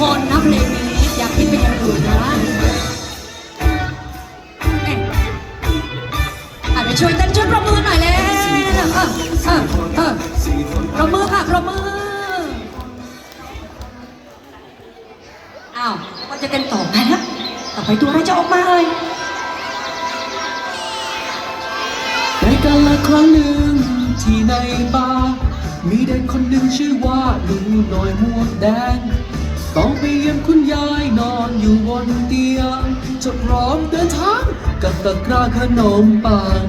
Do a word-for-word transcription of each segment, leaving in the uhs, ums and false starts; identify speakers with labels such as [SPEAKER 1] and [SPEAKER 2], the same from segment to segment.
[SPEAKER 1] คนนะเพลงนี้อยากคิดเป็นอย่างอื่นนะอ่ะไปช่วยเต้นช่วยปรบมือหน่อยเลยเออเออเออปรบมือค่ะปรบมืออ้าวก็จะเต้นต่อไปนะต่อไปตัวอะไรจะออกมาเลย
[SPEAKER 2] ในกาลครั้งหนึ่งที่ในป่ามีเด็กคนหนึ่งชื่อว่าหนูน้อยหมวกแดงต้องไปเยี่ยมคุณยายนอนอยู่บนเตียงจะพร้อมเดินทางกับตะกร้าขนมปัง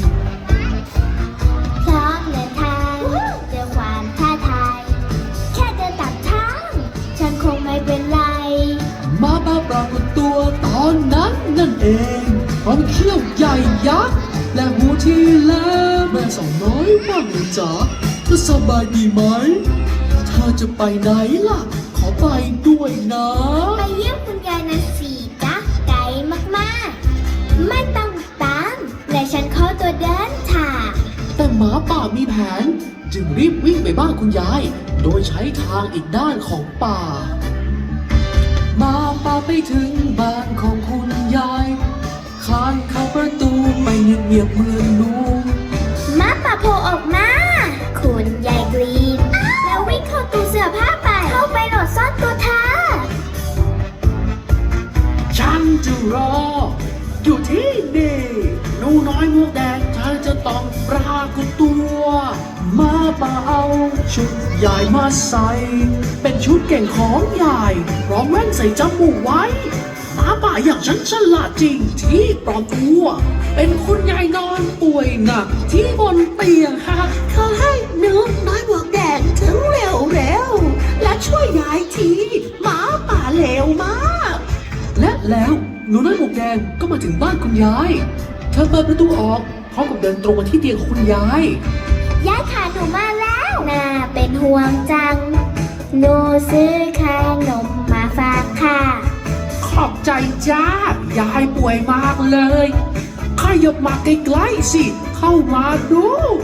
[SPEAKER 3] พร้อมเดินทางเจอความท้าทายแค่เดินตามทางฉันคงไม่เป็นไร
[SPEAKER 2] มาบ้าปรากฏตัวตอนนั้นนั่นเองพร้อมเขี้ยวใหญ่ยักษ์และหูที่แหลมแม่สาวน้อยว่าไงจ๊ะเธอสบายดีไหมเธอจะไปไหนล่ะขอไปด้วยนะ
[SPEAKER 3] ไปเยี่ยมคุณยายนะสิจ๊ะไกลมากๆไม่ต้องตามและฉันขอตัวเดินทาง
[SPEAKER 2] แต่หมาป่ามีแผนจึงรีบวิ่งไปบ้านคุณยายโดยใช้ทางอีกด้านของป่าหมาป่าไปถึงบ้านของคุณยายคลานเข้าประตูไปเงียบๆเหมือนลูก
[SPEAKER 3] หมาป่าโผล่ออกมาคุณยายกรีดแล้ววิ่งเข้าตู้เสื้อผ้าไปเข้าไปหลบซ่อนตัวเธอ
[SPEAKER 2] ฉันจะรออยู่ที่นี่หนูน้อยหมวกแดงเธอจะต้องปรากฏตัวมาป่าเอาชุดใหญ่มาใส่เป็นชุดเก่งของยายพร้อมแว่นใส่จมูกไว้หมาป่าอย่างฉันฉลาดจริงที่ปลอมตัวเป็นคุณยายนอนป่วยหนักที่บนเตียงหัก
[SPEAKER 4] ขอให้หนูน้อยหมวกแดงถึงเร็วๆและช่วยยายทีหมาป่าเลวมาก
[SPEAKER 2] และแล้วหนูน้อยหมวกแดงก็มาถึงบ้านคุณยายเธอเปิดประตูออกพร้อมกับเดินตรงมาที่เตียงของคุณยาย
[SPEAKER 3] ยายขาหนูมาแล้วน่าเป็นห่วงจังหนูซื้อขนมมาฝากค่ะ
[SPEAKER 2] ขอบใจจ้ายายป่วยมากเลยขยับมาใกล้ๆสิเข้ามาดู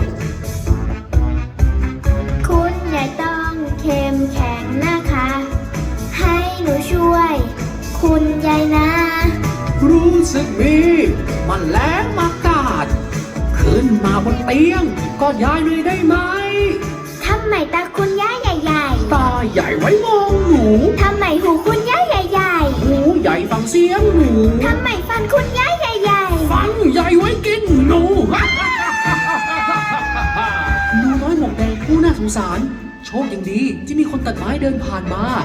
[SPEAKER 3] คุณยายต้องเข้มแข็งนะคะให้หนูช่วยคุณยายนะ
[SPEAKER 2] รู้สึกมีมันแรงมากาดขึ้นมาบนเตียงก็ยายหน่อยได้ไหม
[SPEAKER 3] ทำไมตาคุณยายใหญ่
[SPEAKER 2] ๆตาใหญ่ไว้มองหนู
[SPEAKER 3] ทำไมหูคุณยายใหญ่
[SPEAKER 2] ๆหูใหญ่ฟังเสียงหนู
[SPEAKER 3] ทำไมฟันคุณยายใหญ่
[SPEAKER 2] ๆฟันใหญ่ไว้กินหนูหนูน้อยหมวกแดงผู้น่าสงสารโชคยังดีที่มีคนตัดไม้เดินผ่านมา